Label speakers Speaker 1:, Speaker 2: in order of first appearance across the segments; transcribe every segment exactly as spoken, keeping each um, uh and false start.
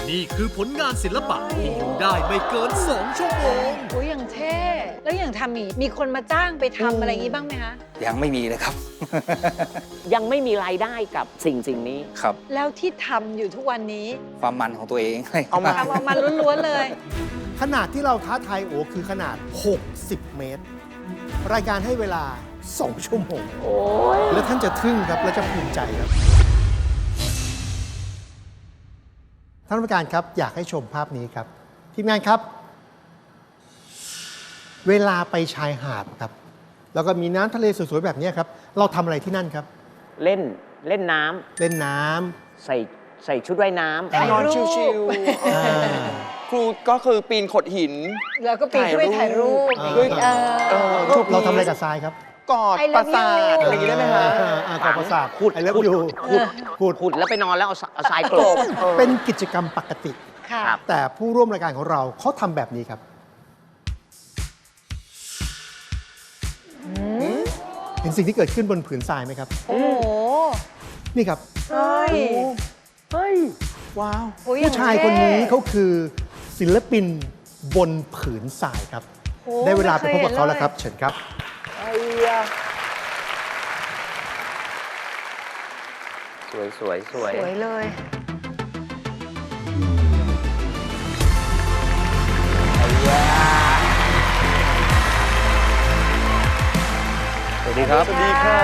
Speaker 1: นี่คือผลงานศิลปะที่อยู่ได้ไม่เกินสองชั่วโมง
Speaker 2: โอ้ยอย่างเท่ แล้วอย่างทำมีมีคนมาจ้างไปทำอะไรอย่างนี้บ้างไหมคะ
Speaker 3: ยังไม่มีเลยครับ
Speaker 4: ยังไม่มีรายได้กับสิ่งสิ่งนี้
Speaker 3: ครับ
Speaker 2: แล้วที่ทำอยู่ทุกวันนี้
Speaker 3: ความมันของตัวเอง
Speaker 5: เอามา
Speaker 2: ทำออกมาล้วนๆเลย
Speaker 6: ขนาดที่เราท้าทายโอคือขนาด หกสิบ เมตร รายการให้เวลา สอง ชั่วโมง
Speaker 4: โอ้ย
Speaker 6: แล้วท่านจะทึ่งครับ และจะภูมิใจครับ ท่านผู้การครับอยากให้ชมภาพนี้ครับ ทีมงานครับ เวลาไปชายหาดครับ แล้วก็มีน้ำทะเลสวยๆแบบนี้ครับ เราทำอะไรที่นั่นครับ
Speaker 4: เล่นเล่นน้ำ
Speaker 6: เล่นน้ำ
Speaker 4: ใส่ใส่ชุดว่ายน้ำ
Speaker 2: ถ่าย
Speaker 5: นอน
Speaker 2: รูป
Speaker 5: ชิว
Speaker 6: อ่า
Speaker 5: ๆครูก็คือปีนโขดหิน
Speaker 2: แล้วก็ปีนขึ้นไปถ่ายรูป
Speaker 6: ถ่ายรูป
Speaker 2: ด้วยเอ
Speaker 5: เอ
Speaker 2: อ
Speaker 5: อ
Speaker 6: เราทำอะไรกับทรายครับ
Speaker 5: กอด
Speaker 2: I love
Speaker 5: ประสาท
Speaker 2: you
Speaker 5: อะไรอย่างนี้ได้ไหมฮะ
Speaker 6: อ่าอ่ากอประสาท
Speaker 4: ขุด
Speaker 6: ไอเลิฟ
Speaker 4: ขุด
Speaker 6: ยู
Speaker 4: ขุด
Speaker 6: ขุด
Speaker 4: ขุดแล้วไปนอนแล้วเอาเอาทรายกลบ
Speaker 6: เป็นกิจกรรมปกติ
Speaker 2: ค่ะ
Speaker 4: ครับ
Speaker 6: แต่ผู้ร่วมรายการของเราเขาทำแบบนี้ครับ เห็นสิ่งที่เกิดขึ้นบนผืนทรายไหมครับ
Speaker 2: โอ้โห
Speaker 6: นี่ครับ
Speaker 2: เฮ้ย
Speaker 4: เฮ้ย
Speaker 5: ว้าว
Speaker 2: โอ้ยอย่
Speaker 6: ผู้
Speaker 2: ง
Speaker 6: ชาย
Speaker 2: เท่
Speaker 6: คนนี้เขาคือศิลปินบนผืนทรายครับ
Speaker 2: โอ้
Speaker 6: ได้เวลาไปพบกับเขา
Speaker 2: ม่
Speaker 6: แล้วครับ
Speaker 2: ย
Speaker 6: เชิญครับ
Speaker 4: ไอ้ยะสวยสวยสวย
Speaker 2: สวยเลย
Speaker 4: ไอ้ยะ
Speaker 3: สวัสดีครับ
Speaker 5: สวัสดีครับ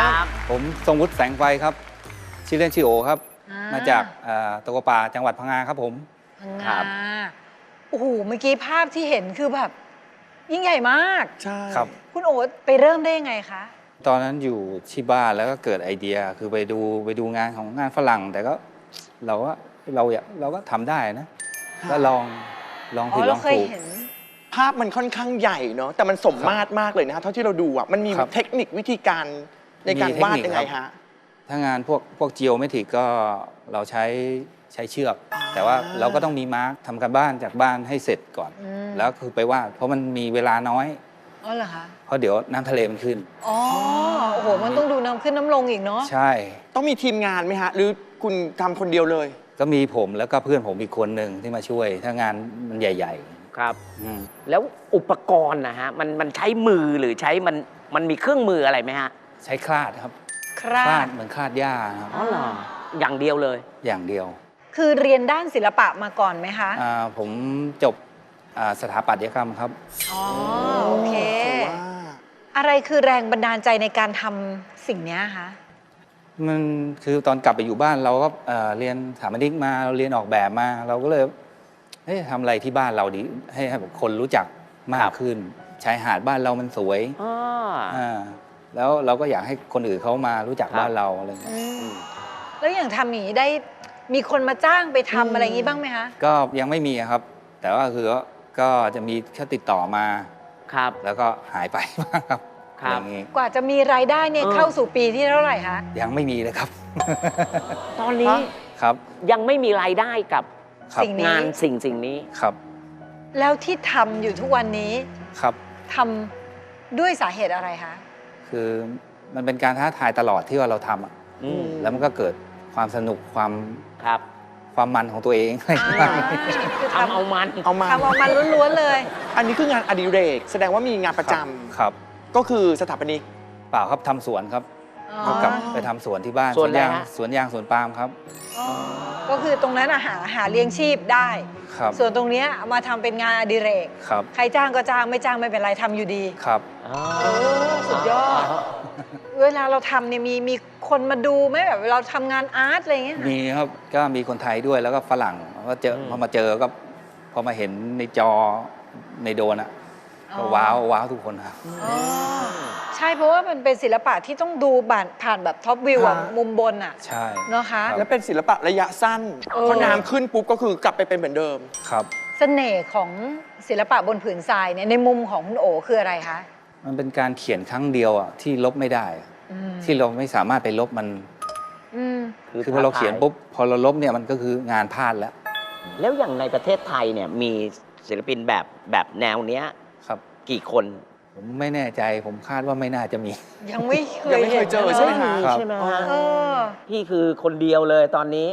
Speaker 3: ผมทรงวุฒิแสงไฟครับ ชื่อเล่นชื่อโอครับ
Speaker 2: อ่าม
Speaker 3: มาจากเอ่อตะกัวป่าจังหวัดพังงาครับผม
Speaker 2: พังงาโอ้โห เมื่อกี้ภาพที่เห็นคือแบบ ยิ่งใหญ่มาก
Speaker 5: ใช่
Speaker 3: ครับ
Speaker 2: คุณโอ๊ตไปเริ่มได้ยังไงคะ
Speaker 3: ตอนนั้นอยู่ที่บ้านแล้วก็เกิดไอเดียคือไปดูไปดูงานของงานฝรั่ง แต่ก็เราก็เราอยากเราก็ทำได้นะก็ลองลอง
Speaker 2: อ๋
Speaker 3: ผิ
Speaker 2: อ
Speaker 3: ดล
Speaker 2: เรา
Speaker 3: อง
Speaker 2: เคย
Speaker 3: ถูก
Speaker 2: เห็น
Speaker 5: ภาพมันค่อนข้างใหญ่เนาะแต่มันสมมาตรมากเลยนะฮะเท่าที่เราดูอ่ะมันมี
Speaker 3: ครับ
Speaker 5: เทคนิควิธีการในการ
Speaker 3: มีเทคว
Speaker 5: าด
Speaker 3: นิค
Speaker 5: ยังไง
Speaker 3: ครับ
Speaker 5: ฮะ
Speaker 3: ถ้างานพวกพวกจีโอเมตริกก็เราใช้ใช้เชือก แต่ว่าเราก็ต้องมีมาร์กทำการบ้านจากบ้านให้เสร็จก่อน
Speaker 2: อืม
Speaker 3: แล้วคือไปวาดเพราะมันมีเวลาน้อย
Speaker 2: อ๋อเหรอคะ
Speaker 3: เพราะเดี๋ยวน้ำทะเลมันขึ้น
Speaker 2: อ๋อ โอ้โห มันต้องดูน้ำขึ้นน้ำลงอีกเนาะ
Speaker 3: ใช่
Speaker 5: ต้องมีทีมงานไหมฮะ หรือคุณทำคนเดียวเลย
Speaker 3: ก็มีผมแล้วก็เพื่อนผมอีกคนหนึ่งที่มาช่วย ถ้างานมันใหญ่
Speaker 4: ครับ
Speaker 3: ๆอืม
Speaker 4: แล้วอุปกรณ์นะฮะ มันมันใช้มือหรือใช้มันมันมีเครื่องมืออะไรไหมฮะ
Speaker 3: ใช้คลาดครับ
Speaker 2: ครา
Speaker 3: คลา
Speaker 2: ด
Speaker 3: ดเหมือนคลาดหญ้าครับ
Speaker 4: อ๋อเหรอ อย่างเดียวเลย
Speaker 3: อย่างเดียว
Speaker 2: คือเรียนด้านศิลปะมาก่อนไหมคะ
Speaker 3: อ่าผมจบอ่าสถาปัตยกรรมครับ
Speaker 2: อ๋อ โอเค
Speaker 5: ผมว่า
Speaker 2: อะไรคือแรงบันดาลใจในการทำสิ่งเนี้ยคะ
Speaker 3: มันคือตอนกลับไปอยู่บ้านเราก็เอ่อเรียนสถาปนิกมาเราเรียนออกแบบมา เราก็เลยเฮ้ยทำอะไรที่บ้านเราดีให้ให้แบบคนรู้จักมา
Speaker 4: ครั
Speaker 3: ก
Speaker 4: บ
Speaker 3: ขึ้นชายหาดบ้านเรามันสวย
Speaker 4: อ๋อ
Speaker 3: อ่าแล้วเราก็อยากให้คนอื่นเขามารู้จัก
Speaker 4: ครับ
Speaker 3: บ้านเราอะไรเงี้ย
Speaker 4: อืม
Speaker 2: แล้วอย่างทำอย่างนี้ได้มีคนมาจ้างไปทำอะไรอย่างนี้บ้างไหมคะ
Speaker 3: ก็ยังไม่มีครับ แต่ว่าคือก็ก็จะมีแค่ติดต่อมา
Speaker 4: ครับ
Speaker 3: แล้วก็หายไปบ้างครับ
Speaker 4: ครับ
Speaker 3: อย่างงี้
Speaker 2: กว่าจะมีรายได้เนี่ย
Speaker 4: เออ
Speaker 2: เข้าสู่ปีที่เท่าไหร่คะ
Speaker 3: ยังไม่มีเลยครับ
Speaker 4: ตอนนี้
Speaker 3: ครับ
Speaker 4: ยังไม่มีรายได้กับ
Speaker 3: ครับ
Speaker 2: สิ่งนี้
Speaker 4: งานสิ่งสิ่งนี้
Speaker 3: ครับ
Speaker 2: แล้วที่ทำอยู่ทุกวันนี้
Speaker 3: ครับ
Speaker 2: ทำด้วยสาเหตุอะไรคะ
Speaker 3: คือมันเป็นการท้าทายตลอดที่ว่าเราทำอะ
Speaker 4: อืม
Speaker 3: แล้วมันก็เกิดความสนุกความ
Speaker 4: ครับ
Speaker 3: ความมันของตัวเอง
Speaker 2: อ่าคือ
Speaker 4: ทำเอามัน
Speaker 5: เอามา
Speaker 2: ทำออกมาล้วนๆเลย
Speaker 5: อันนี้คืองานอดิเรก แสดงว่ามีงานประจำ
Speaker 3: ครับ
Speaker 5: ก็คือสถาปนิก
Speaker 3: เปล่าครับทำสวนครับ
Speaker 2: อ๋อ
Speaker 3: ก็กลับไปทำสวนที่บ้าน
Speaker 4: สวนอะไร
Speaker 3: ยาง
Speaker 4: ฮะ
Speaker 3: สวนยางสวนปาล์มครับ
Speaker 2: อ๋อก็คือตรงนั้นอะหาหาเลี้ยงชีพได้
Speaker 3: ครับ
Speaker 2: ส่วนตรงเนี้ยเอามาทำเป็นงานอดิเรก
Speaker 3: ครับ
Speaker 2: ใครจ้างก็จ้างไม่จ้างไม่เป็นไรทำอยู่ดี
Speaker 3: ครับ
Speaker 4: อ๋อ
Speaker 2: โอ้สุดยอด เวลาเราทำเนี่ยมีมีคนมาดูไหมแบบเราทำงานอาร์ตอะไรอย่างเงี้ย
Speaker 3: มีครับก็มีคนไทยด้วยแล้วก็ฝรั่งก็เจอพอมาเจอก็พอมาเห็นในจอในโดรนอ่ะก็ว้าวว้าวทุกคนครับ
Speaker 2: อ๋อใช่เพราะว่ามันเป็นศิลปะที่ต้องดูผ่านผ่านแบบท็อปวิวอะ
Speaker 5: ค่ะ
Speaker 2: มุมบนอะ
Speaker 3: ใช่
Speaker 2: เนาะคะ
Speaker 3: ครับ
Speaker 5: และเป็นศิลปะระยะสั้น
Speaker 2: เออ
Speaker 5: พอน้ำขึ้นปุ๊บก็คือกลับไปเป็นเหมือนเดิม
Speaker 3: ครับ
Speaker 2: เสน่ห์ของศิลปะบนผืนทรายเนี่ยในมุมของคุณโอคืออะไรคะ
Speaker 3: มันเป็นการเขียนครั้งเดียวอ่ะที่ลบไม่ได้อะ
Speaker 2: อืม
Speaker 3: ที่เราไม่สามารถไปลบมัน
Speaker 2: อืม
Speaker 3: คือพอเราเขียนปุ๊บพอเราลบเนี่ยมันก็คืองานพลาดแล้ว
Speaker 4: แล้วอย่างในประเทศไทยเนี่ยมีศิลปินแบบแบบแนวเนี้ย
Speaker 3: ครับ
Speaker 4: กี่คน
Speaker 3: ผมไม่แน่ใจผมคาดว่าไม่น่าจะมี
Speaker 2: ยังไม่เค
Speaker 5: ยั
Speaker 2: ย
Speaker 5: งไม่เคยเจอใช่ไหมคะ
Speaker 2: ห็น
Speaker 3: ครับ
Speaker 4: ใช่ไหม
Speaker 2: เอ
Speaker 4: ฮะ
Speaker 2: อ
Speaker 4: พี่คือคนเดียวเลยตอนนี้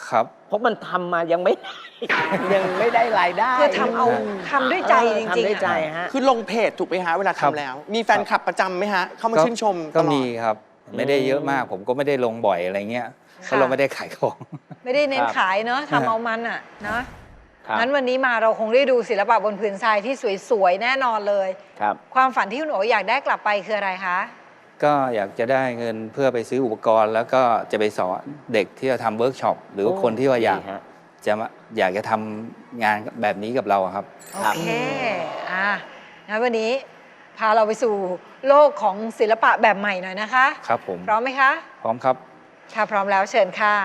Speaker 3: ครับ
Speaker 4: เพราะมันทำมายังไม่ ยังไม่ได้รายได้
Speaker 2: คือทำเอาทำด้วยใจจริง
Speaker 4: ทำด้วย
Speaker 2: ๆ
Speaker 4: ใจ
Speaker 2: อะ
Speaker 4: ฮะ
Speaker 5: คือลงเพจถูกไหมฮะเวลา
Speaker 3: ครับ
Speaker 5: ทำแล้ว มีแฟนคลับประจำไหมฮะ เข้ามา
Speaker 3: ก็
Speaker 5: ชื่นชมต
Speaker 3: ก็
Speaker 5: ลอ
Speaker 3: มี
Speaker 5: ด
Speaker 3: ครับ ไม่ได้เยอะมาก ผมก็ไม่ได้ลงบ่อยอะไรเงี้ยเพราะเราไม่ได้ขายของ
Speaker 2: ไม่ได้เน้น
Speaker 4: ครับ
Speaker 2: ขายเนอะทำเอามันอ่ะเนอะ
Speaker 4: ครับ
Speaker 2: งั้นวันนี้มาเราคงได้ดูศิลปะบนผืนทรายที่สวยๆ แน่นอนเลย
Speaker 4: ครับ
Speaker 2: ความฝันที่คุณโอ๋อยากได้กลับไปคืออะไรคะ
Speaker 3: ก็อยากจะได้เงินเพื่อไปซื้ออุปกรณ์ แล้วก็จะไปสอนเด็กที่จะทำเวิร์กช็อปหรือว่าคนที่ว่าอยาก
Speaker 4: ดีฮะ
Speaker 3: จะมาอยากจะทำงานแบบนี้กับเราอะครับ
Speaker 2: โอเค อ่ะ งั้นวันนี้พาเราไปสู่โลกของศิลปะแบบใหม่หน่อยนะคะ
Speaker 3: ครับผม
Speaker 2: พร้อมไหมคะ
Speaker 3: พร้อมครับ
Speaker 2: ถ้าพร้อมแล้วเชิญค่ะ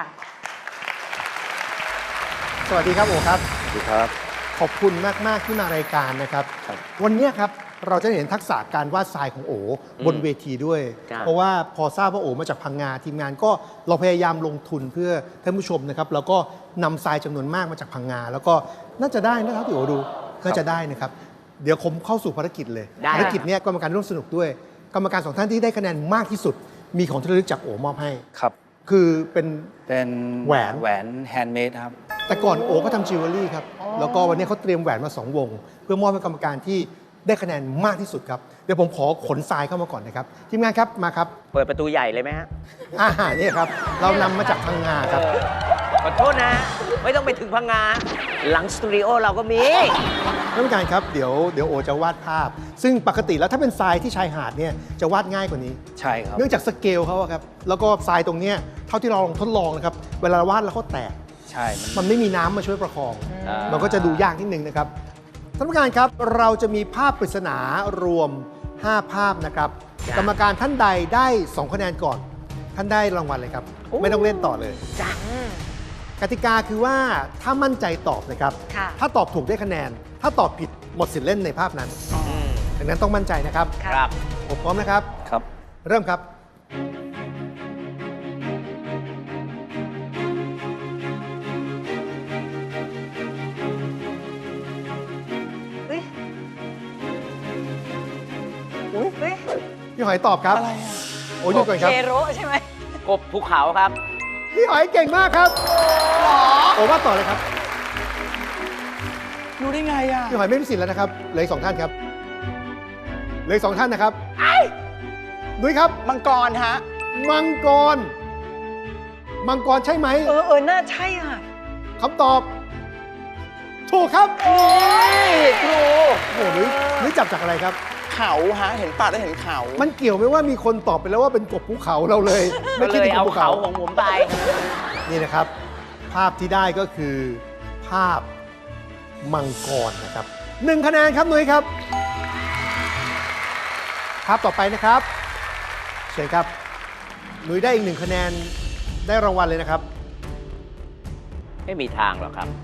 Speaker 6: สวัสดีครับโอครับ
Speaker 3: สวัสดีครับ
Speaker 6: ขอบคุณมาก ๆ ที่มารายการนะครับ
Speaker 3: ครับ
Speaker 6: วันนี้ครับเราจะเห็นทักษะการวาดทรายของโอบนเวทีด้วย
Speaker 4: ครับ
Speaker 6: เพราะว่าพอทราบว่าโอมาจากพังงาทีมงานก็เราพยายามลงทุนเพื่อท่านผู้ชมนะครับแล้วก็นำทรายจำนวนมากมาจากพังงา แล้วก็น่าจะได้นะครับที่โอดูน่าจะได้นะครับ เดี๋ยวผมเข้าสู่ภารกิจเลย
Speaker 4: ได้
Speaker 6: ภารกิจเนี้ยกรรมการร่วมสนุกด้วย กรรมการสองท่านที่ได้คะแนนมากที่สุด มีของที่ระลึกจากโอมอบให้
Speaker 3: ครับ
Speaker 6: คือเป็น
Speaker 3: เป็น
Speaker 6: แหวน
Speaker 3: แหวนแฮนด์เมดครับ
Speaker 6: แต่ก่อนโอก็ทำจิวเวลรี่ครับ แล้วก็วันนี้เขาเตรียมแหวนมาสองวง เพื่อมอบให้กรรมการที่ได้คะแนนมากที่สุดครับ เดี๋ยวผมขอขนทรายเข้ามาก่อนนะครับ ทีมงานครับมาครับ
Speaker 4: เปิดประตูใหญ่เลยไหมฮะ
Speaker 6: อาหารนี่ครับ เรานำมาจากพังงาครับ
Speaker 4: เออขอโทษนะ ไม่ต้องไปถึงพังงา หลังสตูดิโอเราก็มี
Speaker 6: ท่านผู้การครับเดี๋ยวเดี๋ยวโอจะวาดภาพ ซึ่งปกติแล้วถ้าเป็นทรายที่ชายหาดเนี่ยจะวาดง่ายกว่านี้
Speaker 3: ใช่ครับ
Speaker 6: เนื่องจากสเกลเขาอะครับ แล้วก็ทรายตรงเนี้ยเท่าที่เราลองทดลองนะครับ เวลาวาดแล้วเขาแตก
Speaker 3: ใช่มัน
Speaker 6: มันไม่มีน้ำมาช่วยประคอง
Speaker 3: อ่า
Speaker 6: มันก็จะดูยากนิดนึงนะครับ ท่านผู้การครับ เราจะมีภาพปริศนารวม ห้า ภาพนะครับ
Speaker 4: จ้ะ
Speaker 6: กรรมการท่านใดได้ สอง คะแนนก่อน ท่านได้รางวัลเลยครับ
Speaker 4: โอ้
Speaker 6: ไม่ต้องเล่นต่อเลย
Speaker 4: จ้ะ
Speaker 6: กติกาคือว่าถ้ามั่นใจตอบนะครับ
Speaker 2: ค่ะ
Speaker 6: ถ้าตอบถูกได้คะแนน ถ้าตอบผิดหมดสิทธิ์เล่นในภาพนั้น
Speaker 4: อืม
Speaker 6: ดังนั้นต้องมั่นใจนะครับ
Speaker 4: ครับ
Speaker 6: ผมพร้อมนะครับ
Speaker 3: ครับ
Speaker 6: เริ่มครับ
Speaker 2: เฮ้ยอุ้ยเฮ้ย
Speaker 6: พี่หอยตอบครับ
Speaker 5: อะไรอะ
Speaker 6: โอ้ยหยุดก่อนครับ
Speaker 2: เคโรใช่ไหม
Speaker 4: กบภูเขาครับ
Speaker 6: พี่หอยเก่งมากครับโอ้ว่าต่อเลยครับ
Speaker 5: รู้ได้ไงอ่ะ
Speaker 6: พี่หอยไม่มีสิทธิ์แล้วนะครับเหลืออกสองท่านครับเหลืออกสองท่านนะครับนุ้ยครับ
Speaker 5: มังกรฮะ
Speaker 6: มังกร มังกรใช่ไหม
Speaker 2: เออเออน่าใช่อ่ะ
Speaker 6: คำตอบ ถูกครับ
Speaker 2: โอ้ย
Speaker 5: ครู
Speaker 6: โอ้โหนุ้ยนุ้ยจับจากอะไรครับ
Speaker 5: เขาฮะ เห็นป่าแล้วเห็นเขา
Speaker 6: มันเกี่ยวไหมว่ามีคนตอบไปแล้วว่าเป็นกบภูเขาเราเลย
Speaker 4: ก็
Speaker 6: ไม่คิด
Speaker 4: เลย
Speaker 6: ถึงก
Speaker 4: เอา
Speaker 6: บภู
Speaker 4: เขา
Speaker 6: เขา
Speaker 4: ของผมไป
Speaker 6: นี่นะครับ ภาพที่ได้ก็คือ ภาพมังกรนะครับหนึ่งคะแนนครับนุ้ยครับ ภาพต่อไปนะครับเชิญครับนุ้ยได้อีกหนึ่งคะแนนได้รางวัลเลยนะครับ
Speaker 4: ไม่มีทางหรอกครับ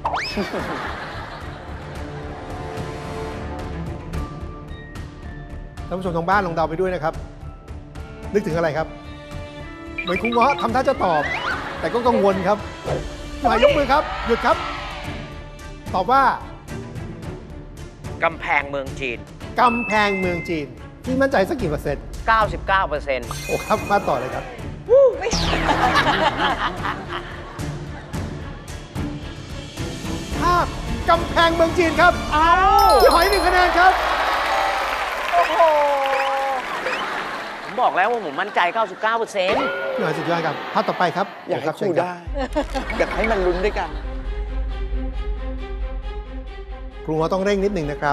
Speaker 6: ท่านผู้ชมทางบ้านลองเดาไปด้วยนะครับ นึกถึงอะไรครับ เหมือนคุณเงาะทำท่าจะตอบ แต่ก็กังวลครับหมายยกมือครับ หยุดครับ ตอบว่า
Speaker 4: กำแพงเมืองจีน
Speaker 6: กำแพงเมืองจีนพี่มั่นใจสักกี่เปอร์เซ็นต์
Speaker 4: เก้าสิบเก้าเปอร์เซ็นต์
Speaker 6: โอ้ครับมาต่อเลยครับ
Speaker 2: ไม่ใช่
Speaker 6: ภาพกำแพงเมืองจีนครับพี่หอยหนึ่งคะแนนครับ
Speaker 2: โอ้โห
Speaker 4: ผมบอกแล้วว่าผมมั่นใจ เก้าสิบเก้าเปอร์เซ็นต์
Speaker 6: พี่หอยสุดยอดครับ ภาพต่อไปครับ
Speaker 5: อยากให้
Speaker 6: รับ
Speaker 5: ครู
Speaker 6: เชิญ
Speaker 5: ได้ อยากให้มันลุ้นด้วยกัน
Speaker 6: ครูเงาะต้องเร่งนิดหนึ่งนะครับ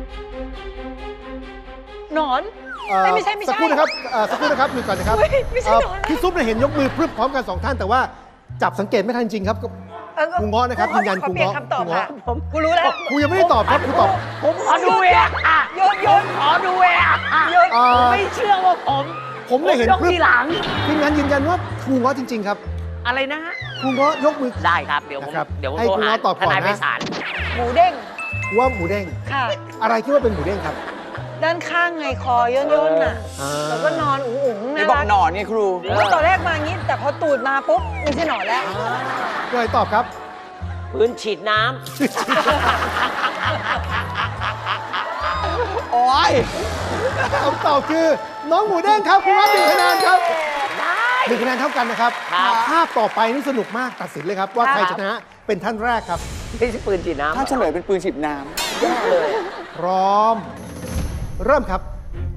Speaker 2: หนอน
Speaker 6: เอ่อ
Speaker 2: เอ้ยไม่ใช่ไม่ใช่
Speaker 6: สักครู่นะครับเอ่อสักครู่นะครับหยุดก่อนนะครับ
Speaker 2: เฮ้ยไม่ใช่
Speaker 6: เอ่อ
Speaker 2: หนอนนะ
Speaker 6: พี่ซุปเนี่ยเห็นยกมือพรึบพร้อมกันสองท่านแต่ว่าจับสังเกตไม่ทันจริงครับ
Speaker 2: เออ
Speaker 6: ครูเงาะนะครับยืนยัน
Speaker 2: ขอเปลี่ยน
Speaker 6: ครูเงาะ
Speaker 2: คำตอบ
Speaker 6: ครู
Speaker 2: ค่ะ
Speaker 6: เงาะ
Speaker 2: ผมกูรู้แล้ว
Speaker 6: ครูยังไม่ได้ตอบครับครูตอบ
Speaker 4: ผมขอดูเองอ่ะ
Speaker 2: โยนโยน
Speaker 4: ขอดูเองอ่ะ
Speaker 2: โยน
Speaker 6: เอ่อ
Speaker 4: ไม่เชื่อว่าผม
Speaker 6: ผมเลยเห็น
Speaker 4: ยก
Speaker 6: พรึบ
Speaker 4: ทีหลัง
Speaker 6: ทีมงานยืนยันว่าครูเงาะจริง ๆ ครับ
Speaker 4: อะไรนะฮะ
Speaker 6: ครูเงาะยกมือ
Speaker 4: ได้ครับ เดี๋ยวผม
Speaker 6: นะครับ
Speaker 4: เดี๋ยวผม
Speaker 6: ให้
Speaker 4: โทร
Speaker 6: คุณ
Speaker 4: หา
Speaker 6: เงาะตอบ
Speaker 4: ท
Speaker 6: ก่อน
Speaker 4: นาย
Speaker 6: นะ
Speaker 4: ไพศาล
Speaker 2: หมูเด้ง
Speaker 6: ว่าหมูเด้ง
Speaker 2: ค่ะ
Speaker 6: อะไรคิดว่าเป็นหมูเด้งครับ
Speaker 2: ด้านข้างไงคอย่นย่นๆน่ะ
Speaker 6: อ่า
Speaker 2: แล้วก็นอนอุ๋งอุ๋งๆ
Speaker 5: ไม่
Speaker 2: น่า
Speaker 5: บอก
Speaker 2: รัก
Speaker 5: หนอนไงครู
Speaker 2: แล้วตอนแรกมางี้ แต่พอตูดมาปุ๊บไม่ใช่หนอนแล้ว
Speaker 6: พี่หอยตอบครับ
Speaker 4: พื้นฉีดน้
Speaker 5: โอ้ย
Speaker 6: คำตอบคือน้องหมูเด้งครับคุณว่าหนึ่งคะแนนครับ
Speaker 4: ำได้
Speaker 6: หนึ่งคะแนนเท่ากันนะครับ
Speaker 4: ครับ
Speaker 6: ภาพต่อไปนี่สนุกมากตัดสินเลยครับ ว่าใครชนะเป็นท่านแรกครับ
Speaker 4: ไม่ใช่ปืนฉีดน้ำ
Speaker 5: ถ้าเฉลยเป็นปืนฉีดน้
Speaker 4: แย่เลย
Speaker 6: พร้อม เริ่มครับ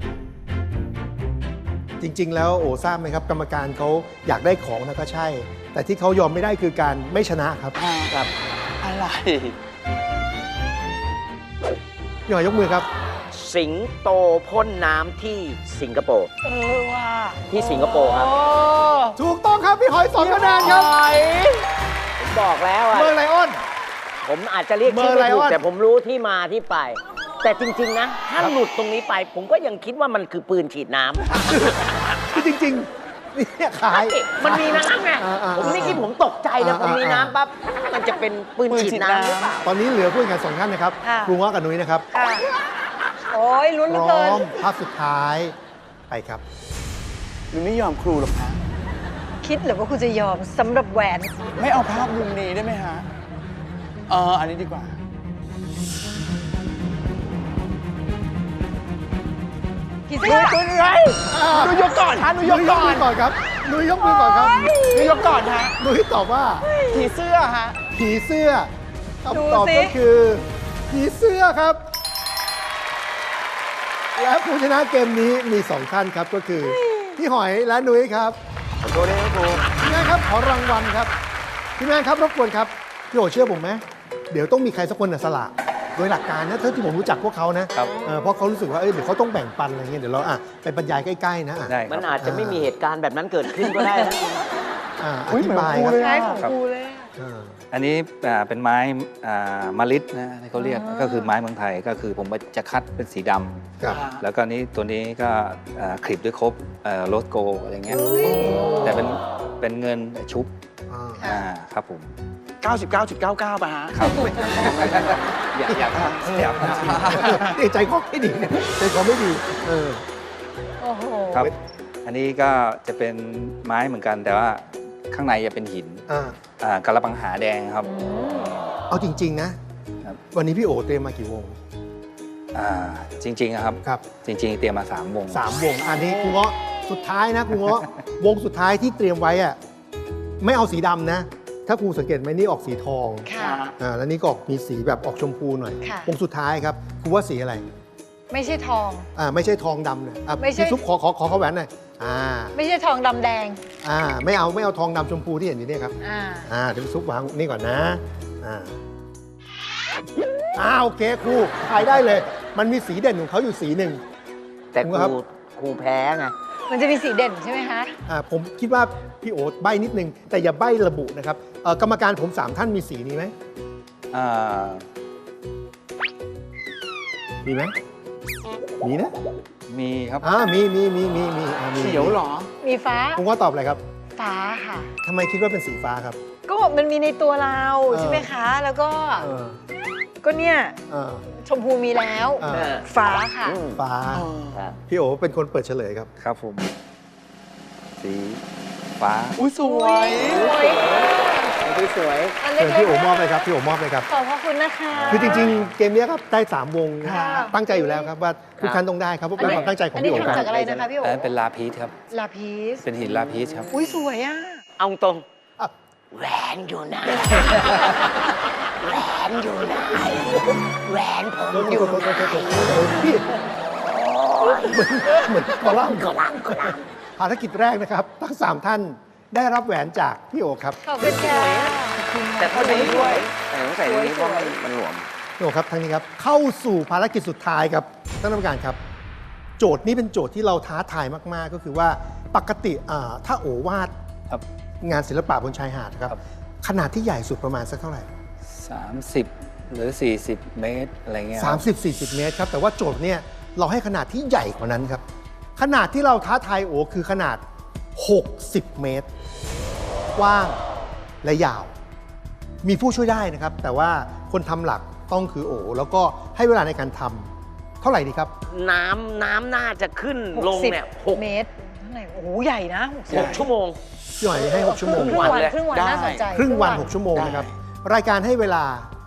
Speaker 6: จริง ๆ แล้วโอ้ทราบไหมครับ กรรมการเขาอยากได้ของนะก็ใช่ แต่ที่เขายอมไม่ได้คือการไม่ชนะครับ
Speaker 5: ำครับ อะไร
Speaker 6: พี่หอยยกมือครับ
Speaker 4: สิงโตพ่นน้ำที่สิงคโปร์
Speaker 2: เออว่า
Speaker 4: ที่สิงคโปร์ครับ
Speaker 2: โอ้
Speaker 6: ถูกต้องครับพี่หอยสองคะแนนครับ
Speaker 4: ผมบอกแล้วอะ
Speaker 6: เมอร์ไลออน
Speaker 4: ผมอาจจะเรียกชื่อ
Speaker 6: เมอร์ไล
Speaker 4: ไม่ถู
Speaker 6: อก อน
Speaker 4: แต่ผมรู้ที่มาที่ไป แต่จริง ๆ นะ ถ้าหลุดตรงนี้ไป ผมก็ยังคิดว่ามันคือปืนฉีดน้ำ
Speaker 6: คือจริงๆนี่ขาย
Speaker 4: มันมีน้ำไง
Speaker 6: อ่าอ่า
Speaker 4: ผมไม่คิดผมตกใจนะ
Speaker 6: อ่า
Speaker 4: ผมมี
Speaker 6: อ่า
Speaker 4: น้ำปั๊บมันจะเป็นปืนฉีดน้ำหรือเปล่า
Speaker 6: ตอนนี้เหลือผู้แข่งขันสองท่านนะครับ
Speaker 2: ค่ะ
Speaker 6: ครูง้อกับนุ้ยนะครับ
Speaker 2: ค่ะโอ้ยลุ้นเห
Speaker 6: พ
Speaker 2: ลือ
Speaker 6: ร้
Speaker 2: เกิ
Speaker 6: อน มภาพสุดท้ายไปครับ
Speaker 5: หนูไม่ยอมครูหรอกฮะ
Speaker 2: คิดเหรือว่าคุณจะยอมสำหรับแหวน
Speaker 5: ไม่เอาภาพมุมนี้ได้ไหมฮะ เออ อันนี้ดีกว่า
Speaker 2: กี่เสื้อ
Speaker 5: ตัวนี้ไงหนูยกก่อนฮะหนูยกก่อน
Speaker 6: ก่อนครับนุ้ยยกมือก่อนครับ
Speaker 5: หนูยกก่อนฮะ
Speaker 6: นุ้ยตอบว่า
Speaker 5: ผีเสื้อฮะ
Speaker 6: ผีเสื้อ
Speaker 2: ดู
Speaker 6: คำตอบ
Speaker 2: สิ
Speaker 6: ก็คือ ผีเสื้อครับ และผู้ชนะเกมนี้มีสองท่านครับก็คือพี่หอยและนุ้ยครับ
Speaker 5: ขอโทษด้วยนะครู
Speaker 6: พี่แม่ครับขอรางวัลครับพี่แม่ครับรบกวนครับพี่โอเชื่อผมไหมเดี๋ยวต้องมีใครสักคนน่ะสละโดยหลักการนะเท่าที่ผมรู้จักพวกเขานะครับ เออเพราะเขารู้สึกว่าเอ้ยเดี๋ยวเขาต้องแบ่งปันอะไรเงี้ยเดี๋ยวเราอ่ะไปบรรยายใกล้ๆนะอ่ะ
Speaker 3: ได้ค
Speaker 4: มั
Speaker 3: รั
Speaker 4: น
Speaker 3: บ
Speaker 4: อาจจะไม่มีเหตุการณ์แบบนั้นเกิดขึ้นก็ได้นะ
Speaker 6: อ่าอ
Speaker 5: อุ๊ย
Speaker 6: ธิบายครับ
Speaker 5: เหมือนครูเลย
Speaker 2: ใช้ของครูเลยอะ
Speaker 6: เออ
Speaker 3: อันนี้อ่าเป็นไม้อ่ามะลิดนะที่เขาเรียกก็คือไม้เมืองไทยก็คือผมจะคัดเป็นสีดำ
Speaker 6: ครับ
Speaker 3: แล้วก็นี้ตัวนี้ก็อ่าคลิปด้วยครบโรสโกอะไรเงี้ยแต่เป็นเป็นเงินชุบ
Speaker 6: อ่า
Speaker 3: อ่าครับผม
Speaker 5: เก้าสิบเก้าจุดเก้าเก้า ป่ะฮะ
Speaker 3: ครับ อยากอยากอยาก
Speaker 6: เอ้ยใจคอไม่ดีเนี่ยใจคอไม่ดีเออ
Speaker 2: โอ้โห
Speaker 3: ครับ อันนี้ก็จะเป็นไม้เหมือนกัน แต่ว่าข้างในจะเป็นหิน
Speaker 6: อ่า
Speaker 3: อ่ากระปังหาแดงครับ
Speaker 6: เอาจริง ๆ นะครับ วันนี้พี่โอเตรียมมากี่วง
Speaker 3: อ่าจริงๆอะครับ
Speaker 6: ครับ
Speaker 3: จริง ๆ เตรียมมาสามวง
Speaker 6: สามวง อันนี้ครูเงาะสุดท้ายนะครูเงาะ วงสุดท้ายที่เตรียมไว้อะไม่เอาสีดำนะ ถ้าครูสังเกตไหมนี่ออกสีทอง
Speaker 2: ค่ะ
Speaker 6: อ่าแล้วนี่ก็ออกมีสีแบบออกชมพูหน่อย
Speaker 2: ค่ะ
Speaker 6: วงสุดท้ายครับครูว่าสีอะไร
Speaker 2: ไม่ใช่ทอง
Speaker 6: อ่าไม่ใช่ทองดำเนี่ยอ่ะ
Speaker 2: ไม่ใช่
Speaker 6: พี่ซุปขอขอขอขอแหวนหน่อยอ่า
Speaker 2: ไม่ใช่ทองดำแดง
Speaker 6: อ่าไม่เอาไม่เอาทองดำชมพูที่เห็นอยู่เนี่ยครับ
Speaker 2: อ่า
Speaker 6: อ่าเดี๋ยวพี่ซุปวางนี่ก่อนนะอ่าอ่าโอเคครูทายได้เลย มันมีสีเด่นของเขาอยู่สีหนึ่ง
Speaker 4: แต่ค
Speaker 6: ครับ
Speaker 4: รูครูแพ้ไง
Speaker 2: มันจะมีสีเด่นใช่ไหมคะ
Speaker 6: อ่าผมคิดว่าพี่โอ๊ตใบ้นิดนึง แต่อย่าใบ้ระบุนะครับเอ่อกรรมการผมสามท่านมีสีนี้ไหม
Speaker 3: อ่า
Speaker 6: มีไหมมีนะ
Speaker 3: มีครับ
Speaker 6: อ่ามีมีมีมีมีอ่ามี
Speaker 5: เขียวเหรอ
Speaker 2: มีฟ้า
Speaker 6: ผมว่าตอบอะไรครับ
Speaker 2: ฟ้าค่ะ
Speaker 6: ทำไมคิดว่าเป็นสีฟ้าครับ
Speaker 2: ก็มันมีในตัวเรา
Speaker 6: เออ
Speaker 2: ใช่ไหมคะ แล้วก็
Speaker 6: เออ
Speaker 2: ก็เนี่ย
Speaker 6: เออ
Speaker 2: ชมพูมีแล้ว
Speaker 6: เออ
Speaker 2: ฟ้าค่ะ
Speaker 4: อืม
Speaker 6: ฟ้า
Speaker 4: ครับ
Speaker 6: พี่โอเป็นคนเปิดเฉลยครับ
Speaker 3: ครับผม สีฟ้า
Speaker 5: อุ้ยสวย
Speaker 2: สวย
Speaker 4: คือสวย
Speaker 2: อัน
Speaker 6: เชิ
Speaker 2: เล็
Speaker 6: ญพี่โอก
Speaker 2: ๆ
Speaker 6: มอบเลยครับพี่โอมอบเลยครับ
Speaker 2: ขอบพระคุณนะคะ
Speaker 6: คือจริงๆ เกมนี้ครับได้สามวง
Speaker 2: ค่ะ
Speaker 6: ตั้งใจอยู่แล้วครับว่าทุกท่านต้องได้ครับเพราะเป็นความตั้งใจของ
Speaker 2: อัน
Speaker 6: พี่
Speaker 2: นี้
Speaker 6: โอครับ
Speaker 2: ทำจากอะไรนะคะพี่โอ๋
Speaker 3: อันนั้นเป็นลาพีชครับ
Speaker 2: ลาพีส
Speaker 3: เป็นหินลาพีชครับ
Speaker 2: อุ้ยสวยอ่ะ
Speaker 4: เอาตรง
Speaker 6: อ่ะ
Speaker 4: แหวนอยู่ไหน แหวนอยู่ไหน แหวนผมอยู่ไหน
Speaker 6: พี่เหมือนเหมือนกอลัมน์
Speaker 4: กลังกลัง
Speaker 6: ภารกิจแรกนะครับทั้งสามท่านได้รับแหวนจากพี่โอครับ
Speaker 2: ขอบคุณค่ะ
Speaker 4: แต่พอดีด้วยแต่ต้องใส่นี้เพราะมันมันหลวม
Speaker 6: พี่โอครับทั้งนี้ครับเข้าสู่ภารกิจสุดท้ายครับท่านกรรมการครับ โจทย์นี้เป็นโจทย์ที่เราท้าทายมากๆ ก็คือว่าปกติอ่าถ้าโอวาด
Speaker 3: ครับ
Speaker 6: งานศิลปะบนชายหาดครับ
Speaker 3: ครับ
Speaker 6: ขนาดที่ใหญ่สุดประมาณสักเท่าไหร่
Speaker 3: สามสิบหรือสี่สิบเมตร อะไรเงี้ยครับ
Speaker 6: 30-40 เมตรครับ แต่ว่าโจทย์เนี่ยเราให้ขนาดที่ใหญ่กว่านั้นครับ ขนาดที่เราท้าทายโอคือขนาด หกสิบ เมตร กว้างและยาว มีผู้ช่วยได้นะครับ แต่ว่าคนทำหลักต้องคือโอ แล้วก็ให้เวลาในการทำเท่าไหร่ดีครับ
Speaker 4: น้ำน้ำน่าจะขึ้นลงเนี่ยหก
Speaker 2: เมตรเท่าไหร่โอ้โหใหญ่นะหกสิบ
Speaker 4: หกชั่วโมง
Speaker 6: พี่หน่อยให้ หก ชั่วโม
Speaker 2: ค
Speaker 6: ง
Speaker 2: รึ่งวัน
Speaker 4: เลย
Speaker 2: ครึ่งวัน
Speaker 5: ได้
Speaker 2: น่าสนใจ
Speaker 6: ครึ่งวัน
Speaker 2: ค
Speaker 6: หก ชั่วโมง
Speaker 5: ได้
Speaker 6: นะครับ รายการให้เวลา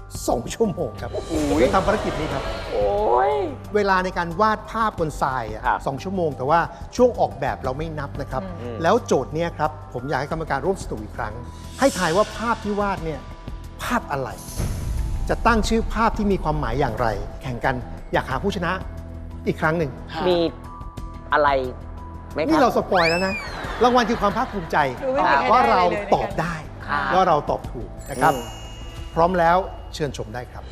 Speaker 6: สองชั่วโมงครับเพื่อทำภารกิจนี้ครับ
Speaker 4: โอ้ย
Speaker 6: เวลาในการวาดภาพบนทรายอะ
Speaker 4: ครับ
Speaker 6: สองชั่วโมง แต่ว่าช่วงออกแบบเราไม่นับนะครับ
Speaker 4: อืม
Speaker 6: แล้วโจทย์เนี้ยครับ ผมอยากให้กรรมการร่วมสนุกอีกครั้ง ให้ทายว่าภาพที่วาดเนี่ยภาพอะไร จะตั้งชื่อภาพที่มีความหมายอย่างไร แข่งกันอยากหาผู้ชนะอีกครั้งหนึ่ง
Speaker 4: มีอะไรไหมค
Speaker 6: นี่
Speaker 4: รั
Speaker 6: เรา
Speaker 4: บ
Speaker 6: สปอยแล้วนะ รางวัลคือความภาคภูมิใจ
Speaker 2: ดูไม่มีใคร
Speaker 6: ว่า
Speaker 2: ได้
Speaker 6: เรา
Speaker 2: เลย
Speaker 6: ตอบได้
Speaker 4: ครับ
Speaker 6: ว่าเราตอบถูกนะครับ
Speaker 4: อืม
Speaker 6: พร้อมแล้วเชิญชมได้ครับ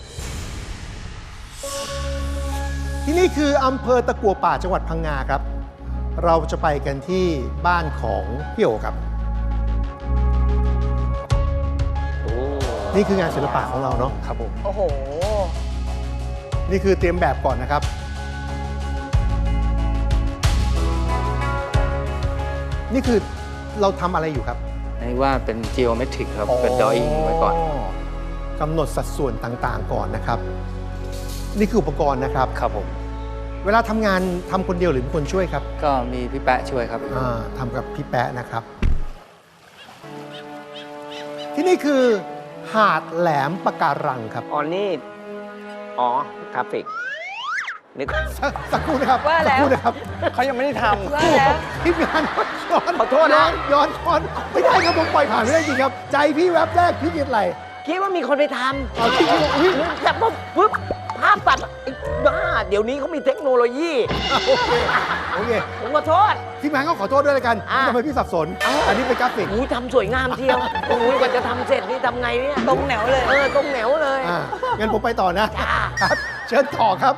Speaker 6: ที่นี่คืออำเภอตะกัวป่าจังหวัดพังงาครับ เราจะไปกันที่บ้านของพี่โอครับ
Speaker 4: โอ้
Speaker 6: นี่คืองานศิลปะของเราเนาะ
Speaker 3: ครับผม
Speaker 2: โอ้โห
Speaker 6: นี่คือเตรียมแบบก่อนนะครับ นี่คือเราทำอะไรอยู่ครับ
Speaker 3: นี่ว่าเป็น geometric ครับ เป็น drawing ไว้ก่อน
Speaker 6: กำหนดสัดส่วนต่างๆก่อนนะครับ นี่คืออุปกรณ์นะครับ
Speaker 3: ครับผม
Speaker 6: เวลาทำงานทำคนเดียวหรือมีคนช่วยครับ
Speaker 3: ก็มีพี่แปะช่วยครับ
Speaker 6: อ่าทำกับพี่แป๊ะนะครับ ที่นี่คือหาดแหลมปะการังครับ
Speaker 4: อ๋อนี่ อ๋อกราฟิกนึก
Speaker 6: สักสักครู่นะครับ
Speaker 2: ว่าแล้ว
Speaker 6: สักครู่นะครับ
Speaker 5: เขายังไม่ได้ท
Speaker 2: ว่าแล้ว
Speaker 6: ทีมงานย้อน
Speaker 4: ขอโทษนะ
Speaker 6: ย้อนย้อนไม่ได้ครับผมปล่อยผ่านไม่ได้จริงครับ ใจพี่แวบแรกพี่คิดอะไร
Speaker 4: คิดว่ามีคนไปท
Speaker 6: เอาพี่คิดว่าอุ้ย
Speaker 4: ำแต่ปุ๊บปุ๊บภาพตัดไอ้บ้าเดี๋ยวนี้เขามีเทคโนโลยี
Speaker 6: โอเคโอเค
Speaker 4: ผมขอโทษ
Speaker 6: ทีมงานก็ขอโทษด้วยแล้วกัน
Speaker 4: อ่า
Speaker 6: ที่ทำให้พี่สับสน อันนี้เป็นกราฟิก
Speaker 4: อู้ทำสวยงามเทียวโอ้ยกว่าจะทำเสร็จนี่ทำไงเนี่ย
Speaker 2: ตรงแนวเลย
Speaker 4: เออตรงแหนวเลย
Speaker 6: อ่างั้นผมไปต่อนะ
Speaker 4: จ้า
Speaker 6: ครับ เชิญต่อครับ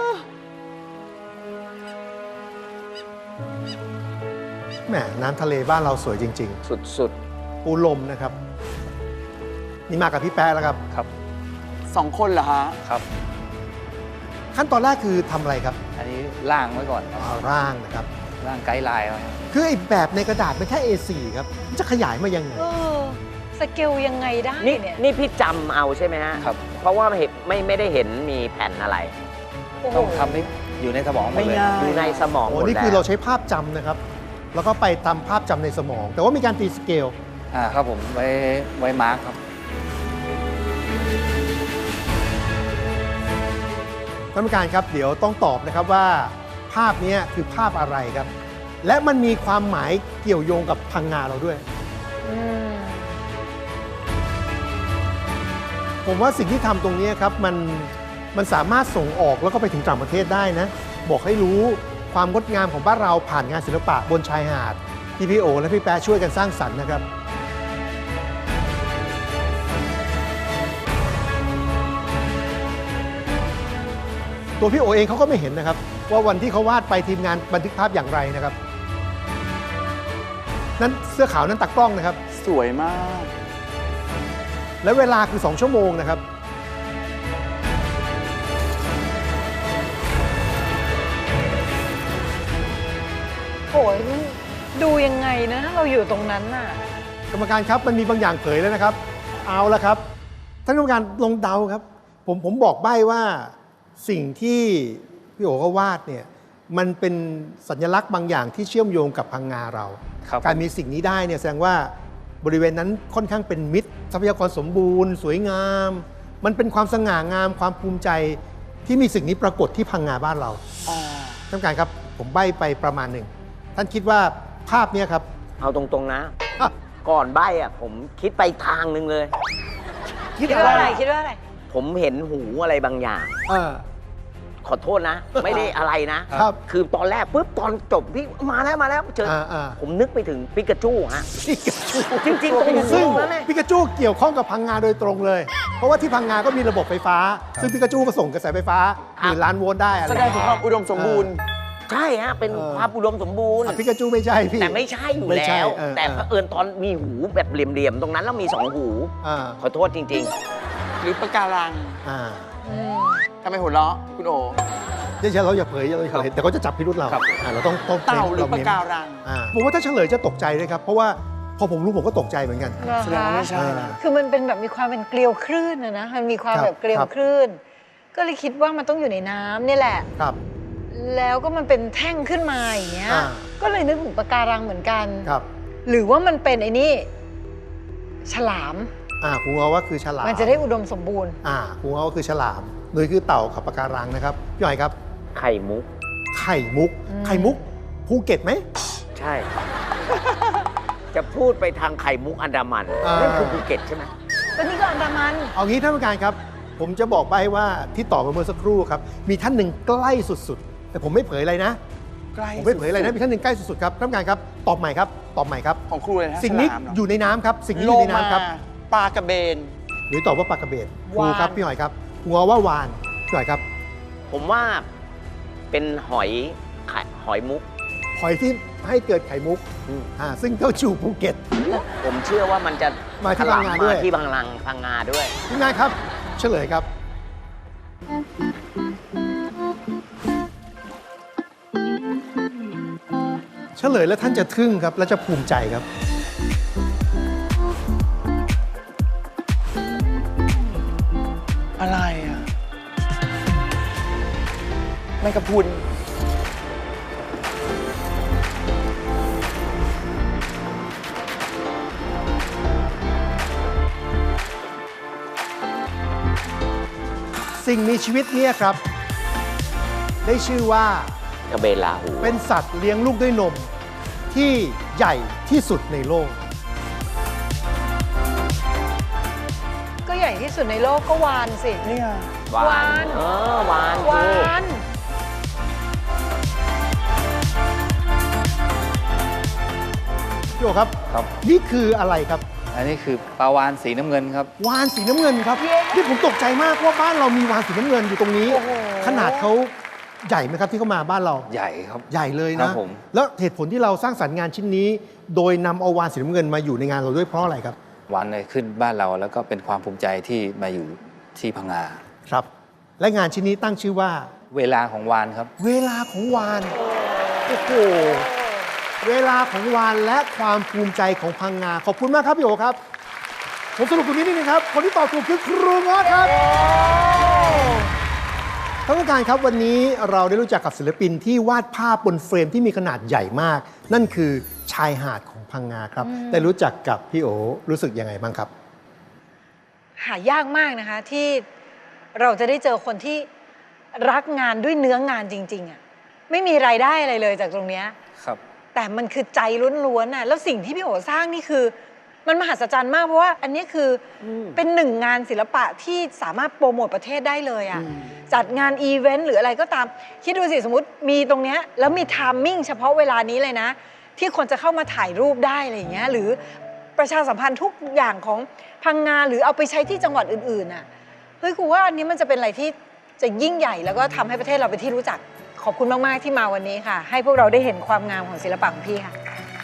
Speaker 6: แหมน้ำทะเลบ้านเราสวยจริง
Speaker 4: สุด
Speaker 6: ๆ ปูลมนะครับ นี่มากับพี่แป๊ะแล้วครับ
Speaker 3: ครับ
Speaker 5: ำสองคนเหรอฮะ
Speaker 3: ครับ
Speaker 6: ขั้นตอนแรกคือทำอะไรครับ
Speaker 3: อันนี้ล่างไว้ก่อนครับ
Speaker 6: เอาร่างนะครับ
Speaker 3: ล่างไกด์ไลน์ไว้
Speaker 6: คือไอ้แบบในกระดาษเป็นแค่ เอ โฟร์ ครับมันจะขยายมายังไง
Speaker 2: เออ สเกลยังไงได้
Speaker 4: ๆนี่
Speaker 2: เนี่ย
Speaker 4: นี่พี่จำเอาใช่ไหมฮะ
Speaker 3: ครับ
Speaker 4: เพราะว่าเห็นไม่ไม่ได้เห็นมีแผ่นอะไร
Speaker 2: โอ้โห
Speaker 3: ต้องทำให้อยู่ในสมองหมดเลย
Speaker 5: ไม่ง่าย
Speaker 4: อยู่ในสมองห
Speaker 6: โอ้
Speaker 4: มด
Speaker 6: นี่
Speaker 4: แล้ว
Speaker 6: คือเราใช้ภาพจำนะครับ แล้วก็ไปตามภาพจำในสมอง แต่ว่ามีการตีสเกล
Speaker 3: อ่าครับผม ไว้ไว้มาร์คครับ
Speaker 6: ท่านผู้การครับ เดี๋ยวต้องตอบนะครับว่าภาพนี้คือภาพอะไรครับ และมันมีความหมายเกี่ยวโยงกับพังงาเราด้วย
Speaker 2: อืม
Speaker 6: ผมว่าสิ่งที่ทำตรงนี้ครับมันมันสามารถส่งออกแล้วก็ไปถึงต่างประเทศได้นะ บอกให้รู้ความงดงามของบ้านเราผ่านงานศิลปะบนชายหาดที่พี่โอและพี่แป๊ะช่วยกันสร้างสรรค์นะครับ ตัวพี่โอเองเขาก็ไม่เห็นนะครับ ว่าวันที่เขาวาดไปทีมงานบันทึกภาพอย่างไรนะครับ นั้นเสื้อขาวนั้นตักกล้องนะครับ
Speaker 5: สวยมาก
Speaker 6: และเวลาคือสองชั่วโมงนะครับ
Speaker 2: โอ้ยดูยังไงนะถ้าเราอยู่ตรงนั้นน่ะ
Speaker 6: กรรมการครับมันมีบางอย่างเผยแล้วนะครับ เอาละครับท่านกรรมการลงเดาครับ ผมผมบอกใบ้ว่าสิ่งที่พี่โอก็วาดเนี่ยมันเป็นสัญลักษณ์บางอย่างที่เชื่อมโยงกับพังงาเรา
Speaker 3: ครับ
Speaker 6: การมีสิ่งนี้ได้เนี่ยแสดงว่าบริเวณนั้นค่อนข้างเป็นมิตรทรัพยากรสมบูรณ์ สวยงาม มันเป็นความสง่างามความภูมิใจที่มีสิ่งนี้ปรากฏที่พังงาบ้านเรา
Speaker 5: อ๋อ
Speaker 6: ท่านผู้การครับผมใบ้ไปประมาณหนึ่งท่านคิดว่าภาพเนี้ครับ
Speaker 4: เอาตรงๆนะ
Speaker 6: อ่ะ
Speaker 4: ก่อนใบอ่ะผมคิดไปทางหนึ่งเลย
Speaker 6: คิด
Speaker 2: คิด
Speaker 6: อะ
Speaker 2: ว่า
Speaker 6: ไร
Speaker 2: อะไรคิดว่าอะไร
Speaker 4: ผมเห็นหูอะไรบางอย่าง
Speaker 6: เออ
Speaker 4: ขอโทษนะ ไม่ได้อะไรนะ
Speaker 6: ครับ
Speaker 4: คือตอนแรกปุ๊บตอนจบพี่มาแล้วมาแล้วเจอ
Speaker 6: อ่าอ่า
Speaker 4: ผมนึกไปถึงปิกาจูฮะ
Speaker 6: ปิกาจู
Speaker 4: จริงๆตรงหู
Speaker 6: ซึ่ง
Speaker 4: ตรงนั้นเลย
Speaker 6: ปิกาจูเกี่ยวข้องกับพังงาโดยตรงเลย เพราะว่าที่พังงาก็มีระบบไฟฟ้า ซึ่งปิกาจูก็ส่งกระแสไฟฟ้าหมื่นล้านโวลต์ได้อะไร
Speaker 5: แสดงถึงความอุดมสมบูรณ์
Speaker 4: ใช่ฮะ เป็น
Speaker 6: เออ
Speaker 4: ความอุดมสมบูรณ์
Speaker 6: อ่ะปิกาจูไม่ใช่พี่
Speaker 4: แต่ไม่ใช่อยู่
Speaker 6: ไม่ใช่
Speaker 4: แล้ว
Speaker 6: เออ
Speaker 4: แต่
Speaker 6: เออ
Speaker 4: เผอิญตอนมีหูแบบเหลี่ยมๆ ตรงนั้นแล้วมีสองหู
Speaker 6: อ่า
Speaker 4: ขอโทษจริง
Speaker 5: หรือปะการัง
Speaker 6: อ่า
Speaker 2: อืม
Speaker 5: ทำไมหัวเราะคุณโอ
Speaker 6: เดี๋ยวเราอย่าเผยเราอย่าเผยแต่เขาจะจับพิรุธเรา
Speaker 3: ครับ
Speaker 6: อ่าเราต้องต้อง
Speaker 5: เต่าหรือปะ
Speaker 6: เน้น
Speaker 5: การัง
Speaker 6: อ่าผมว่าถ้าเฉลยจะตกใจเลยครับ เพราะว่าพอผมรู้ผมก็ตกใจเหมือนกัน
Speaker 2: เหรอ
Speaker 5: แสดงว่า
Speaker 2: คะ
Speaker 5: ไม่ใช่นะ
Speaker 2: คือมันเป็นแบบมีความเป็นเกลียวคลื่นนะนะ มันมีความ
Speaker 6: ครับ
Speaker 2: แบบเกลียว
Speaker 6: ครับ
Speaker 2: คลื่น ก็เลยคิดว่ามันต้องอยู่ในน้ำนี่แหละ
Speaker 6: ครับ
Speaker 2: แล้วก็มันเป็นแท่งขึ้นมาอย่างเงี้ย
Speaker 6: อ่า
Speaker 2: ก็เลยนึกถึงปะการังเหมือนกัน
Speaker 6: ครับ
Speaker 2: หรือว่ามันเป็นไอ้นี่ฉลาม
Speaker 6: อ่าครูง้อว่าคือฉลาม
Speaker 2: มันจะได้อุดมสมบูรณ์
Speaker 6: อ่าครูง้อว่าคือฉลามหนุยคือเต่ากับปะการังนะครับพี่หอยครับ
Speaker 4: ไข่มุก
Speaker 6: ไข่มุก
Speaker 2: อืม
Speaker 6: ไข่มุกภูเก็ตไหม
Speaker 4: ใช่ จะพูดไปทางไข่มุกอันดามัน
Speaker 6: อ่านั่
Speaker 4: นั่นคือภูเก็ตใช่ไหม
Speaker 2: ก็นี่ก็อันดามัน
Speaker 6: เอางี้ท่านผู้การครับ ผมจะบอกไปว่าที่ตอบมาเมื่อสักครู่ครับมีท่านหนึ่งใกล้สุดๆ แต่ผมไม่เผยอะไรนะ
Speaker 5: ใกล้
Speaker 6: ผมไม่เผยอะไรนะมีท่านหนึ่งใกล้สุดๆครับท่านผู้การครับตอบใหม่ครับตอบใหม่ครับ
Speaker 5: ของครูเลยนะ
Speaker 6: สิ่งนี้
Speaker 5: ฉลามเหรอ
Speaker 6: อยู่ในน้ำครับสิ่งนี้อ
Speaker 5: โล
Speaker 6: ยู่ใน
Speaker 5: มา
Speaker 6: น้ำครับ
Speaker 5: ปลากระเบน
Speaker 6: หรือตอบว่าปลากระเบนครู
Speaker 2: วาน
Speaker 6: ครับพี่หอยครับครูง้อว่าวานพี่หอยครับ
Speaker 4: ผมว่าเป็นหอยไข่หอยมุก
Speaker 6: หอยที่ให้เกิดไข่มุก
Speaker 4: อืม
Speaker 6: อ่าซึ่งเขาอยู่ภูเก็ต
Speaker 4: ผมเชื่อว่ามันจะ
Speaker 6: มาที่พังงาด้วย
Speaker 4: มที่พังงาพังงาด้วย
Speaker 6: ทีมงานครับเฉลยครับ เฉลยแล้วท่านจะทึ่งครับ และจะภูมิใจครับ
Speaker 5: อะไรอ่ะแมงกะพรุน
Speaker 6: สิ่งมีชีวิตเนี่ยครับ ได้ชื่อว่าก
Speaker 4: ระเบนลาหู
Speaker 6: เป็นสัตว์เลี้ยงลูกด้วยนมที่ใหญ่ที่สุดในโลก
Speaker 2: ก็ใหญ่ที่สุดในโลกก็วานสิ
Speaker 5: นี่ไง
Speaker 4: วาว
Speaker 2: าน น
Speaker 4: เออวาน
Speaker 2: วา
Speaker 4: ถูก
Speaker 2: น
Speaker 6: พี่โอครับ
Speaker 3: ครับ
Speaker 6: นี่คืออะไรครับ
Speaker 3: อันนี้คือปลาวานสีน้ำเงินครับ
Speaker 6: วานสีน้ำเงินครับ
Speaker 2: เย้
Speaker 6: ที่ผมตกใจมากว่าบ้านเรามีวานสีน้ำเงินอยู่ตรงนี้
Speaker 2: โอ้โห
Speaker 6: ขนาดเขาใหญ่ไหมครับที่เขามาบ้านเรา
Speaker 3: ใหญ่ครับ
Speaker 6: ใหญ่เลย
Speaker 3: ครั
Speaker 6: นะ
Speaker 3: บผม
Speaker 6: แล้วเหตุผลที่เราสร้างสรรค์งานชิ้นนี้ โดยนำเอาวานสีน้ำเงินมาอยู่ในงานเราด้วยเพราะอะไรครับ
Speaker 3: วานเลยขึ้นบ้านเราแล้วก็เป็นความภูมิใจที่มาอยู่ที่พังงา
Speaker 6: ครับ และงานชิ้นนี้ตั้งชื่อว่า
Speaker 3: เวลาของวานครับ
Speaker 6: เวลาของวานโอ้โหเวลาของวานและความภูมิใจของพังงาขอบคุณมากครับพี่โอครับ ผมสรุปตรงนี้นิดนึงครับ คนที่ตอบถูกคือครูง้อครับท่านผู้การครับวันนี้เราได้รู้จักกับศิลปินที่วาดภาพบนเฟรมที่มีขนาดใหญ่มาก นั่นคือชายหาดของพังงาครับได้รู้จักกับพี่โอรู้สึกยังไงบ้างครับ
Speaker 2: หายากมากนะคะที่เราจะได้เจอคนที่รักงานด้วยเนื้องานจริงๆอ่ะไม่มีรายได้อะไรเลยจากตรงเนี้ย
Speaker 3: ครับ
Speaker 2: แต่มันคือใจล้วนๆน่ะแล้วสิ่งที่พี่โอสร้างนี่คือ มันมหัศจรรย์มากเพราะว่าอันนี้คืออเป็นหนึ่งงานศิลปะที่สามารถโปรโมทประเทศได้เลยอ่ะจัดงานอีเวนต์หรืออะไรก็ตาม คิดดูสิสมมติมีตรงเนี้ยแล้วมีไทามมิ่งเฉพาะเวลานี้เลยนะ ที่คนจะเข้ามาถ่ายรูปได้อะไรอย่างเงี้ยหรือประชาสัมพันธ์ทุกอย่างของพังงาหรือเอาไปใช้ที่จังหวัดอื่นๆน่ะเฮ้ยครูว่าอันนี้มันจะเป็นอะไรที่จะยิ่งใหญ่แล้วก็ทำให้ประเทศเราเป็นที่รู้จักขอบคุณมากๆที่มาวันนี้ค่ะ ให้พวกเราได้เห็นความงามของศิลปะของพี่ค่ะ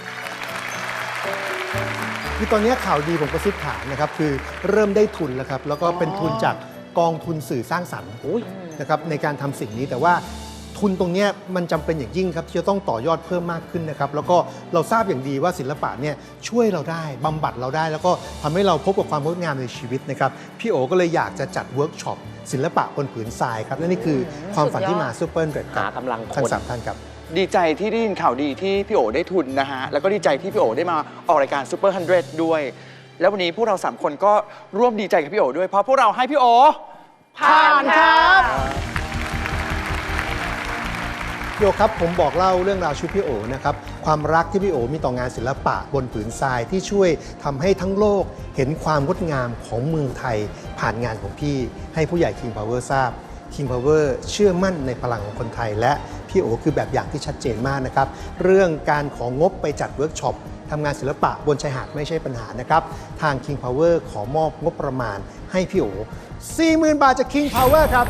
Speaker 6: คือตอนนี้ข่าวดีผมกระซิบถามนะครับคือเริ่มได้ทุนแล้วครับแล้วก็เป็นทุนจากกองทุนสื่อสร้างสรรค์นะครับในการทำสิ่งนี้แต่ว่าทุนตรงนี้มันจำเป็นอย่างยิ่งครับที่จะต้องต่อยอดเพิ่มมากขึ้นนะครับแล้วก็เราทราบอย่างดีว่าศิลปะเนี่ยช่วยเราได้บำบัดเราได้ แล้วก็ทำให้เราพบกับความงดงามในชีวิตนะครับพี่โอก็เลยอยากจะจัดเวิร์กช็อปศิลปะบนผืนทรายครับและนี่คือความฝันที่มาซูเปอร์เรดค
Speaker 4: หา
Speaker 6: รับ
Speaker 4: กำลังค
Speaker 6: ทั้ง
Speaker 4: น
Speaker 6: สามท่านครับ
Speaker 5: ดีใจที่ได้ยินข่าวดีที่พี่โอได้ทุนนะฮะ แล้วก็ดีใจที่พี่โอได้มาออกรายการซูเปอร์ฮันเดรดด้วย แล้ววันนี้พวกเราสามคนก็ร่วมดีใจกับพี่โอด้วย เพราะพวกเราให้พี่โอผ่านครับ
Speaker 6: พี่โอครับผมบอกเล่าเรื่องราวชีวิตพี่โอนะครับความรักที่พี่โอมีต่องานศิลปะบนผืนทรายที่ช่วยทำให้ทั้งโลกเห็นความงดงามของเมืองไทยผ่านงานของพี่ให้ผู้ใหญ่ King Power ทราบ King Power เชื่อมั่นในพลังของคนไทย และพี่โอคือแบบอย่างที่ชัดเจนมากนะครับเรื่องการของงบไปจัดเวิร์กช็อปทำงานศิลปะบนชายหาดไม่ใช่ปัญหานะครับทาง King Power ขอมอบงบประมาณให้พี่โอ สี่หมื่น บาทจาก King Power ครับ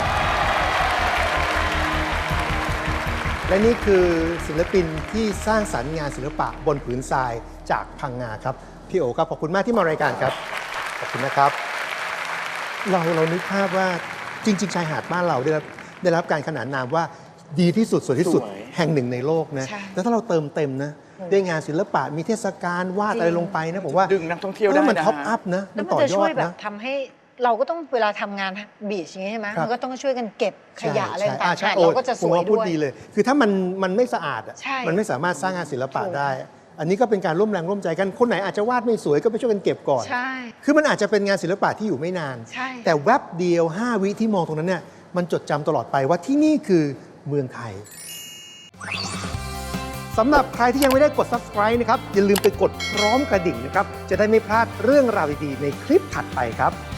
Speaker 6: และนี่คือศิลปินที่สร้างสรรค์งานศิลปะบนผืนทรายจากพังงาครับพี่โอครับขอบคุณมากที่มารายการครับขอบคุณนะครับ เราเรานึกภาพว่าจริง ๆ ชายหาดบ้านเราได้รับได้รับการขนานนามว่าดีที่สุดสวยที่สุด
Speaker 5: สวย
Speaker 6: แห่งหนึ่งในโลกนะ
Speaker 2: ใช่
Speaker 6: แล้วถ้าเราเติมเต็มนะด้วยงานศิลปะมีเทศกาลวาด
Speaker 2: จริง
Speaker 6: อะไรลงไปนะผมว่า
Speaker 5: ดึงนักท่องเที่ยวได้
Speaker 6: ออมัน
Speaker 5: นะฮะ
Speaker 6: ท็อปอัพนะ
Speaker 2: แล้
Speaker 6: มั
Speaker 2: วน มัน
Speaker 6: ต่อ
Speaker 2: จะ
Speaker 6: ยอ
Speaker 2: ช่ว
Speaker 6: ด
Speaker 2: ยแบบ
Speaker 6: นะ
Speaker 2: ทำให้เราก็ต้องเวลาทำงานบีชอย่างนี้ใช่ไหม
Speaker 6: ครับ
Speaker 2: มันก็ต้องช่วยกันเก็บขยะอะไร
Speaker 6: ใช่
Speaker 2: ต่าง
Speaker 6: ใช่
Speaker 2: ๆ
Speaker 6: โอ้
Speaker 2: เราก็จะส
Speaker 6: ผม
Speaker 2: วย
Speaker 6: ว่าพู
Speaker 2: ด้
Speaker 6: ด
Speaker 2: วย
Speaker 6: ดีเลย คือถ้ามันมันไม่สะอาดอะ
Speaker 2: ใช่
Speaker 6: มันไม่สามารถสร้างงานศิลปะ
Speaker 2: ถูก
Speaker 6: ได้อันนี้ก็เป็นการร่วมแรงร่วมใจกัน คนไหนอาจจะวาดไม่สวยก็ไปช่วยกันเก็บก่อน
Speaker 2: ใช่
Speaker 6: คือมันอาจจะเป็นงานศิลปะที่อยู่ไม่นาน
Speaker 2: ใช่
Speaker 6: แต่แวบเดียว ห้า วิที่มองตรงนั้นเนี่ยมันจดจำตลอดไปว่าที่นี่คือเมืองไทยสำหรับใครที่ยังไม่ได้กด Subscribe นะครับอย่าลืมไปกดพร้อมกระดิ่งนะครับจะได้ไม่พลาดเรื่องราวดีๆในคลิปถัดไปครับ